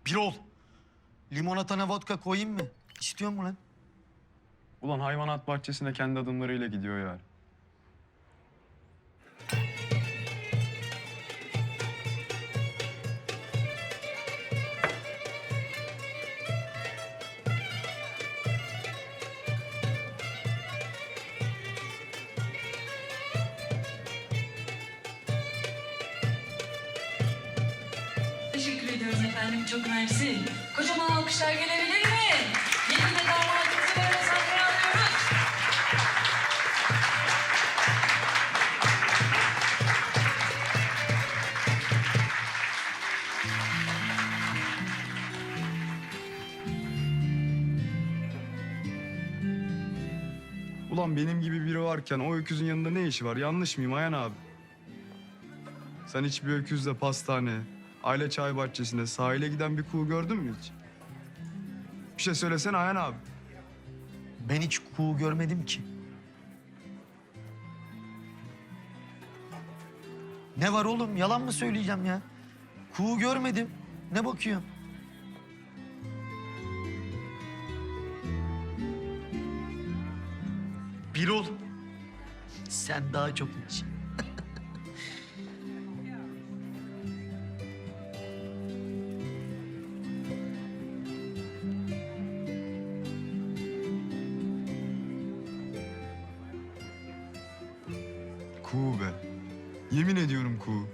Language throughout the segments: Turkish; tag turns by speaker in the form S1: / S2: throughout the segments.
S1: Birol, limonatana vodka koyayım mı? İstiyor mu lan?
S2: Ulan hayvanat bahçesine kendi adımlarıyla gidiyor yani.
S3: Teşekkür ediyoruz efendim. Çok mersi. Kocaman alkışlar gelebilir mi? Yeni de damatımızı böyle sahneye alıyoruz.
S2: Ulan benim gibi biri varken o öküzün yanında ne işi var? Yanlış mıyım Ayhan abi? Sen hiç bir öküzle pastane, aile çay bahçesinde sahile giden bir kuğu gördün mü hiç? Bir şey söylesene Ayhan abi.
S1: Ben hiç kuğu görmedim ki. Ne var oğlum? Yalan mı söyleyeceğim ya? Kuğu görmedim. Ne bakıyorsun? Birol, sen daha çok iç.
S2: Kuğu be. Yemin ediyorum kuğu.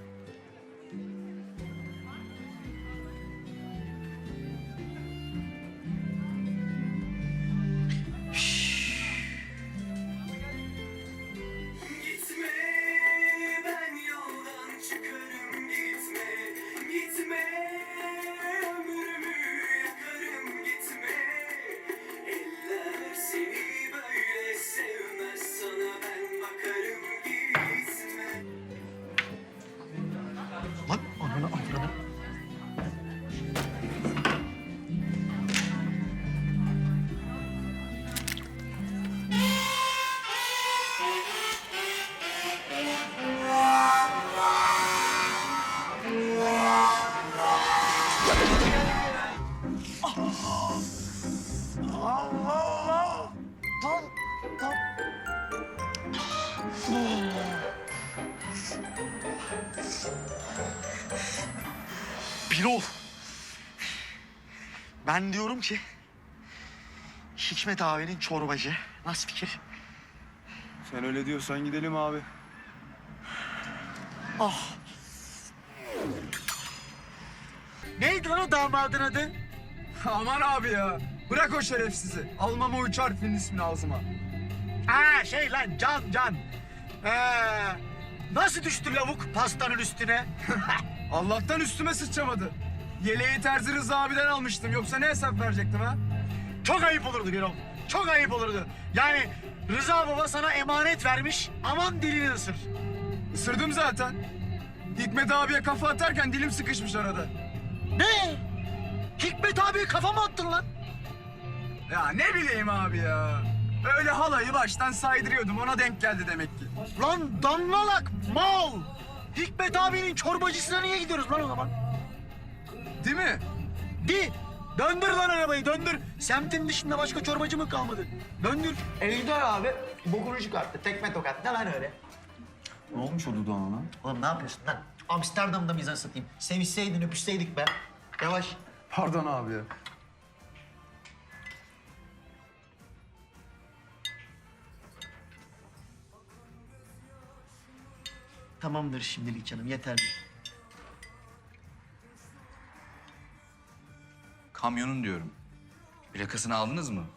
S4: Gitme, ben yoldan çıkarım gitme, gitme, ömrümü yakarım gitme. Eller seni böyle sevmez, sana ben bakarım gitme.
S1: Lan ananı avradını. Allah! Lan, lan. Birol. Ben diyorum ki Hikmet abinin çorbacı. Nasıl fikir?
S2: Sen öyle diyorsan gidelim abi.
S1: Ah. Neydi lan o damadın adı?
S2: Aman abi ya. Bırak o şerefsizi. Almam o 3 harfin ismini ağzıma.
S1: Ha şey lan Can. Nasıl düştü lavuk pastanın üstüne?
S2: Allah'tan üstüme sıçramadı. Yeleği Terzi Rıza abiden almıştım. Yoksa ne hesap verecektim ha?
S1: Çok ayıp olurdu Birol. Çok ayıp olurdu. Yani Rıza baba sana emanet vermiş. Aman dilini ısır.
S2: Isırdım zaten. Hikmet abiye kafa atarken dilim sıkışmış arada.
S1: Ne? Hikmet abiye kafa mı attın lan?
S2: Ya ne bileyim abi ya. Öyle halayı baştan saydırıyordum. Ona denk geldi demek ki.
S1: Lan damlalak mal. Hikmet abinin çorbacısına niye gidiyoruz lan o zaman?
S2: Değil mi?
S1: Döndür lan arabayı döndür. Semtin dışında başka çorbacı mı kalmadı? Döndür.
S5: Ejder abi bokunu çıkarttı. Tekme tokat. Ne lan öyle?
S2: Ne olmuş o dudağına lan?
S1: Oğlum ne yapıyorsun lan? Amsterdam'da mıyız satayım? Sevişseydin öpüşseydik be. Yavaş.
S2: Pardon abi ya.
S1: Tamamdır şimdilik canım yeterli.
S6: Kamyonun diyorum. Plakasını aldınız mı?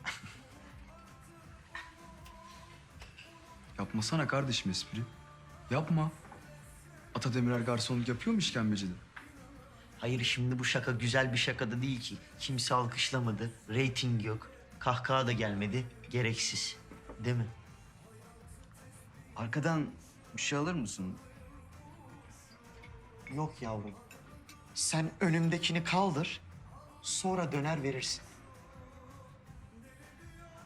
S2: Yapmasana kardeşim espri. Yapma. Ata Demirer garsonluk yapıyor mu işkembecide?
S1: Hayır şimdi bu şaka güzel bir şaka da değil ki. Kimse alkışlamadı, reyting yok. Kahkaha da gelmedi, gereksiz. Değil mi?
S6: Arkadan bir şey alır mısın?
S1: Yok yavrum. Sen önümdekini kaldır, sonra döner verirsin.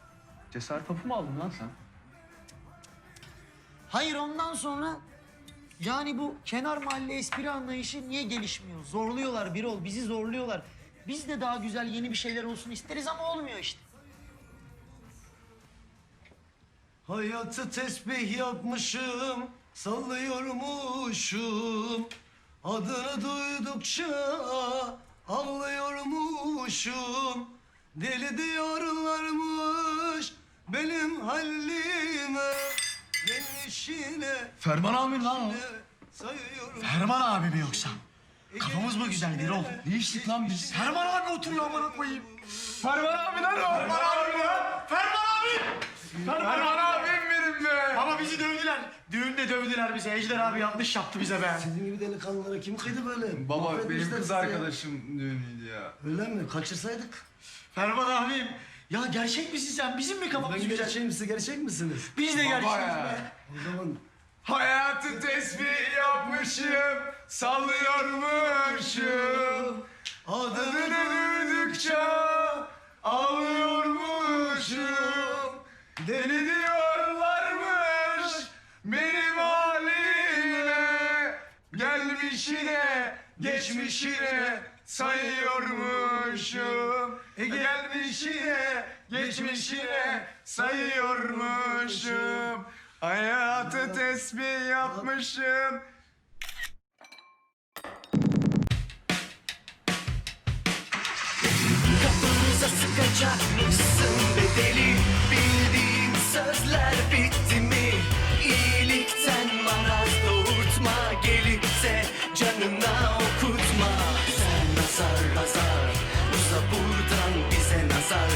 S2: Cesaret hapı mı aldın lan sen?
S1: Hayır ondan sonra Yani bu kenar mahalle espri anlayışı niye gelişmiyor? Zorluyorlar Birol, bizi zorluyorlar. Biz de daha güzel yeni bir şeyler olsun isteriz ama olmuyor işte.
S7: Hayatı tesbih yapmışım, sallıyormuşum. Adını duydukça ağlıyormuşum. Deli diyorlarmış benim halime. Gelişine
S5: Ferman abi lan o.
S7: sayıyorum.
S5: Ferman abi mi yoksa? Kafamız mı güzel Birol? Ne içtik lan biz? Ferman abi oturuyor amına koyayım.
S2: Ferman abi lan o.
S5: Ferman abi ya! Ferman abi!
S2: Ferman abim benim be.
S5: Ama bizi dövdüler. Düğünde dövdüler bizi. Ejder abi yanlış yaptı bize be.
S7: Sizin gibi delikanlılara kim kıydı böyle?
S2: Baba benim
S7: Mahvetmişler
S2: kız
S7: sizi ya.
S2: arkadaşım düğünüydü ya.
S7: Öyle mi? Kaçırsaydık.
S5: Ferman abim. Ya gerçek misin sen? Bizim mi kafamız
S7: Ben
S5: güzel?
S7: gerçeğim, siz gerçek misiniz?
S5: Biz de gerçeğiz
S2: ya.
S5: be.
S7: O zaman
S2: Hayatı tesbih yapmışım, sallıyormuşum. Adını duydukça ağlıyormuşum. Deli diyorlarmış benim halime. Gelmişine, geçmişine sayıyormuşum. Gelmişine, geçmişine sayıyormuşum. Hayatı tesbih yapmışım.
S4: Kapımıza sıkacakmışsın bedeli. Bildiğim sözler bitti.